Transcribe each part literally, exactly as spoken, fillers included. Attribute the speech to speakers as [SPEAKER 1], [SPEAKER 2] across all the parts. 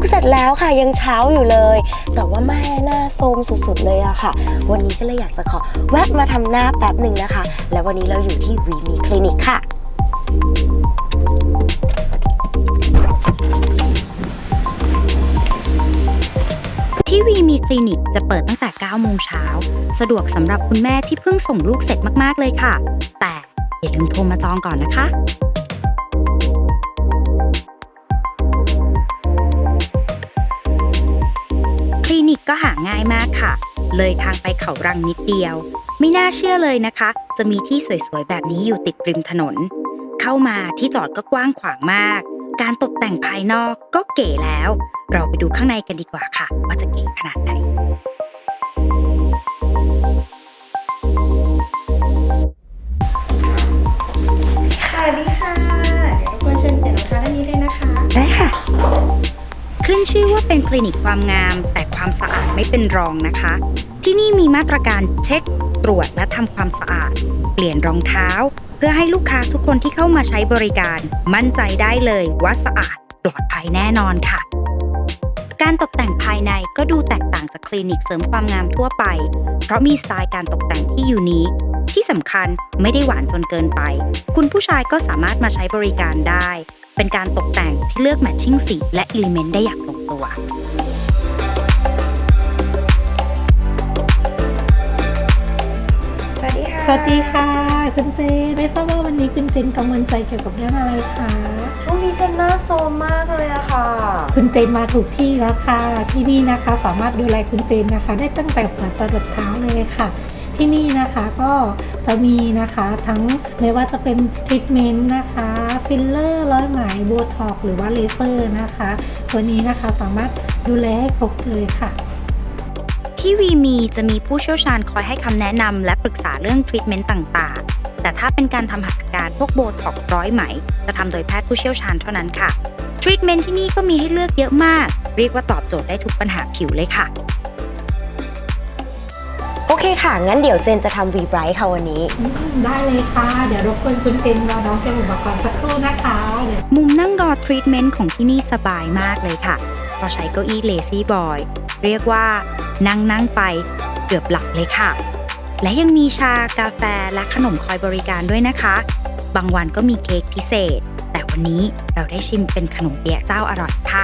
[SPEAKER 1] กเสร็จแล้วค่ะยังเช้าอยู่เลยแต่ว่าแม่หน้าโทรมสุดๆเลยอะค่ะวันนี้ก็เลยอยากจะขอแวะมาทำหน้าแป๊บหนึ่งนะคะและวันนี้เราอยู่ที่วีมีคลินิกค่ะ
[SPEAKER 2] ที่วีมีคลินิกจะเปิดตั้งแต่เก้าโมงเช้าสะดวกสำหรับคุณแม่ที่เพิ่งส่งลูกเสร็จมากๆเลยค่ะแต่อย่าลืมโทรมาจองก่อนนะคะคลินิกก็หาง่ายมากค่ะเลยทางไปเขารังนิดเดียวไม่น่าเชื่อเลยนะคะจะมีที่สวยๆแบบนี้อยู่ติดริมถนนเข้ามาที่จอดก็กว้างขวางมากการตกแต่งภายนอกก็เก๋แล้วเราไปดูข้างในกันดีกว่าค่ะว่าจะเก๋ขนาดไหน
[SPEAKER 3] สวัสดีค่ะเดี๋ยวรบกวนเชิญเปลี่ยนรองเท้าด้านนี้เลยนะคะ
[SPEAKER 1] ได้ค่ะ
[SPEAKER 2] ขึ้นชื่อว่าเป็นคลินิกความงามแต่ความสะอาดไม่เป็นรองนะคะที่นี่มีมาตรการเช็คตรวจและทำความสะอาดเปลี่ยนรองเท้าเพื่อให้ลูกค้าทุกคนที่เข้ามาใช้บริการมั่นใจได้เลยว่าสะอาดปลอดภัยแน่นอนค่ะการตกแต่งภายในก็ดูแตกต่างจากคลินิกเสริมความงามทั่วไปเพราะมีสไตล์การตกแต่งที่ยูนิคที่สำคัญไม่ได้หวานจนเกินไปคุณผู้ชายก็สามารถมาใช้บริการได้เป็นการตกแต่งที่เลือกแมทชิ่งสีและอิเลเมนต์ได้อย่างลงตัว
[SPEAKER 3] สวัสดีค่ะ
[SPEAKER 4] สวัสดีค่ะคุณเจนไม่ทราบว่าวันนี้คุณเจนกังวลใจเกี่ยวกับเรื่องอะไรคะ
[SPEAKER 1] ช่วงนี้เจนหน้าโซมมากเลยอะค่ะ
[SPEAKER 4] คุณเจนมาถูกที่แล้วค่ะที่นี่นะคะสามารถดูแลคุณเจนนะคะได้ตั้งแต่หัวจรดเท้าเลยค่ะที่นี่นะคะก็จะมีนะคะทั้งไม่ว่าจะเป็นทรีทเมนต์นะคะฟิลเลอร์ร้อยไหมโบท็อกซ์หรือว่าเลเซอร์นะคะตัวนี้นะคะสามารถดูแลให้ครบเลยค่ะ
[SPEAKER 2] ที่วีมีจะมีผู้เชี่ยวชาญคอยให้คำแนะนำและปรึกษาเรื่องทรีทเมนต์ต่างๆแต่ถ้าเป็นการทำหัตถการพวกโบท็อกซ์ร้อยไหมจะทำโดยแพทย์ผู้เชี่ยวชาญเท่านั้นค่ะทรีทเมนต์ที่นี่ก็มีให้เลือกเยอะมากเรียกว่าตอบโจทย์ได้ทุกปัญหาผิวเลยค่ะ
[SPEAKER 1] โอเคค่ะงั้นเดี๋ยวเจนจะทำ วี Bright ค่ะวันนี้
[SPEAKER 4] ได้เลยค่ะเดี๋ยวรบกวนคุณเจนรอน้องเตรียมอุปกรณ์สักครู่นะคะ
[SPEAKER 2] มุมนั่งรอทรีทเมนต์ของที่นี่สบายมากเลยค่ะเพราะใช้เก้าอี้ Lazy Boy เรียกว่านั่งนั่งไปเกือบหลับเลยค่ะและยังมีชากาแฟและขนมคอยบริการด้วยนะคะบางวันก็มีเค้กพิเศษแต่วันนี้เราได้ชิมเป็นขนมเปี๊ยะเจ้าอร่อยค่ะ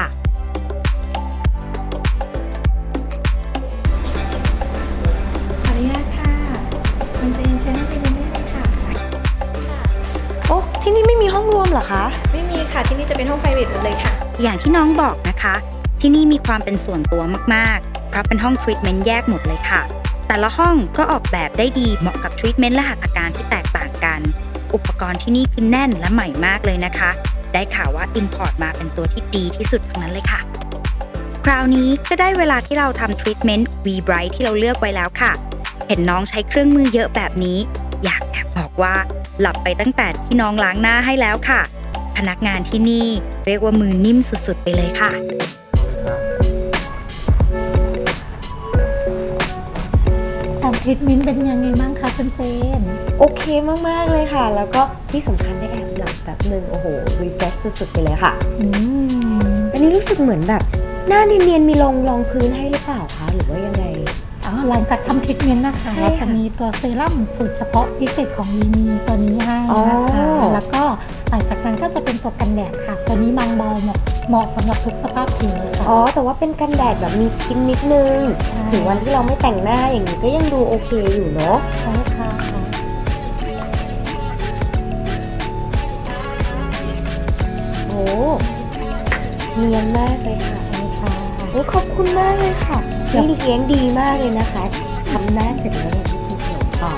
[SPEAKER 4] ขออนุญาตค่ะคุณเจนเชิญนั่งที่นี่ได้เลยค่ะ
[SPEAKER 1] โอ้ที่นี่ไม่มีห้องรวมเหรอคะ
[SPEAKER 3] ไม่มีค่ะที่นี่จะเป็นห้อง private หมดเลยค่ะ
[SPEAKER 2] อย่างที่น้องบอกนะคะที่นี่มีความเป็นส่วนตัวมากๆเพราะเป็นห้องทรีทเมนต์แยกหมดเลยค่ะแต่ละห้องก็ออกแบบได้ดีเหมาะกับทรีทเมนต์และหัตถการที่แตกต่างกันอุปกรณ์ที่นี่คือแน่นและใหม่มากเลยนะคะได้ข่าวว่า Import มาเป็นตัวที่ดีที่สุดทั้งนั้นเลยค่ะคราวนี้ก็ได้เวลาที่เราทำทรีทเมนต์ วี Bright ที่เราเลือกไว้แล้วค่ะเห็นน้องใช้เครื่องมือเยอะแบบนี้อยากแอบบอกว่าหลับไปตั้งแต่ที่น้องล้างหน้าให้แล้วค่ะพนักงานที่นี่เรียกว่ามือนิ่มสุดๆไปเลยค่ะ
[SPEAKER 4] ทรีทเมนต์เป็นยังไงบ้างคะคุณเจน
[SPEAKER 1] โอเคมากๆเลยค่ะแล้วก็ที่สำคัญได้แอบหลับแบบนึงโอ้โหรีเฟรชสุดๆไปเลยค่ะอืมอันนี้รู้สึกเหมือนแบบหน้าเนียนๆมีรองรองพื้นให้หรือเปล่าคะหรือว่ายังไง
[SPEAKER 4] อ๋อหลังจากทำทรีทเมนต์นะคะเราจะมีตัวเซรั่มสูตรเฉพาะพิเศษของวีมีตัวนี้ให้นะคะแล้วก็หลังจากนั้นก็จะเป็นตัวกันแดดค่ะตัวนี้บางเบาเหมาะเหมาะสำหรับทุกสภาพผิวเลยค่ะ
[SPEAKER 1] อ๋อแต่ว่าเป็นกันแดดแบบมีทินนิดนึงถึงวันที่เราไม่แต่งหน้าอย่างนี้ก็ยังดูโอเคอยู่เนาะ
[SPEAKER 4] ใช่ค่ะ
[SPEAKER 1] โอ้เนียนมากเลยค่ะใช่ค่ะโอ้ขอบคุณมากเลยค่ะพี่เลี้ยงดีมากเลยนะคะทำหน้าเสร็จแล้วอย่างที่คุณบอกต่อ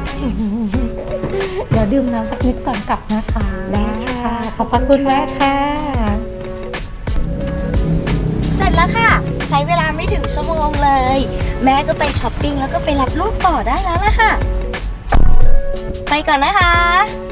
[SPEAKER 4] เดี๋ยวดื่มน้ำสักนิดก่อนกลับนะคะ
[SPEAKER 1] ได้ค่ะ
[SPEAKER 4] ขอบคุณแม่ค่ะ
[SPEAKER 1] เสร็จแล้วค่ะใช้เวลาไม่ถึงชั่วโมงเลยแม่ก็ไปช้อปปิ้งแล้วก็ไปรับลูกต่อได้แล้วล่ะค่ะไปก่อนนะคะ